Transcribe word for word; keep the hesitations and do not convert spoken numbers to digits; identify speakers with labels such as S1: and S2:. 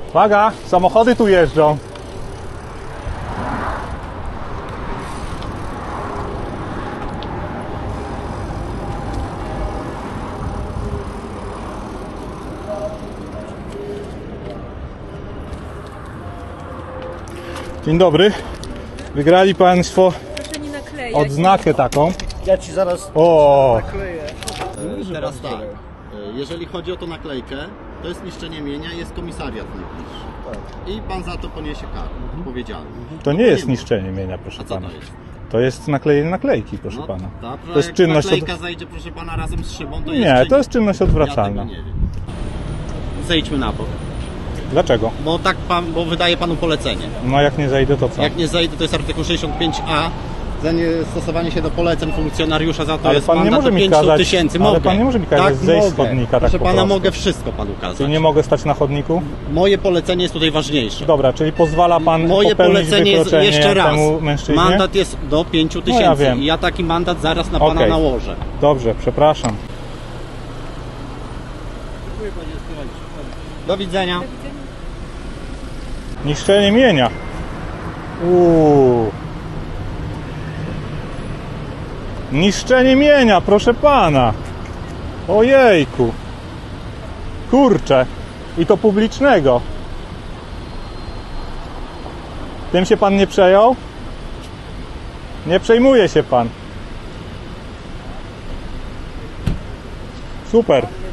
S1: Uwaga, samochody tu jeżdżą. Dzień dobry. Wygrali Państwo
S2: Proszę nie naklejać.
S1: odznakę taką.
S3: Ja ci zaraz
S1: O,
S3: nakleję. Teraz tak, jeżeli chodzi o tą naklejkę, to jest niszczenie mienia, jest komisariat najbliższy. I pan za to poniesie karę, odpowiedzialność.
S1: to nie jest niszczenie mienia, proszę
S3: A co
S1: pana.
S3: to jest?
S1: To jest naklejenie naklejki, proszę
S3: No,
S1: pana.
S3: dobrze,
S1: To jest
S3: jak
S1: czynność od...
S3: naklejka zajdzie, proszę pana, razem z szybą, to jest
S1: Nie,
S3: czyn-
S1: to jest czynność odwracalna.
S3: Ja tego nie wiem. Zejdźmy na bok,
S1: Dlaczego?
S3: bo tak pan, bo wydaje panu polecenie.
S1: No jak nie zejdę, to co?
S3: Jak nie zejdę, to jest artykuł sześćdziesiąt pięć a. Za niestosowanie się do poleceń funkcjonariusza, za to
S1: Ale
S3: jest
S1: pan nie
S3: mandat
S1: może
S3: do
S1: mi
S3: pięciu
S1: kazać-
S3: tysięcy.
S1: ale
S3: Mogę.
S1: pan nie może mi kazać
S3: tak,
S1: zejść z
S3: mogę.
S1: chodnika tak
S3: Proszę
S1: po
S3: pana,
S1: prostu.
S3: mogę wszystko panu kazać.
S1: Czyli nie mogę stać na chodniku?
S3: Moje polecenie jest tutaj ważniejsze.
S1: Dobra, czyli pozwala pan
S3: Moje
S1: popełnić
S3: polecenie jest
S1: wykroczenie
S3: jeszcze raz.
S1: temu mężczyźnie?
S3: Mandat jest do pięciu tysięcy.
S1: ja wiem.
S3: I ja taki mandat zaraz na pana
S1: Okej.
S3: nałożę.
S1: Dobrze, przepraszam.
S3: Do widzenia.
S1: Niszczenie mienia. Uuu. Niszczenie mienia, proszę pana. Ojejku. Kurczę. I to publicznego. Tym się pan nie przejął? Nie przejmuje się pan. Super.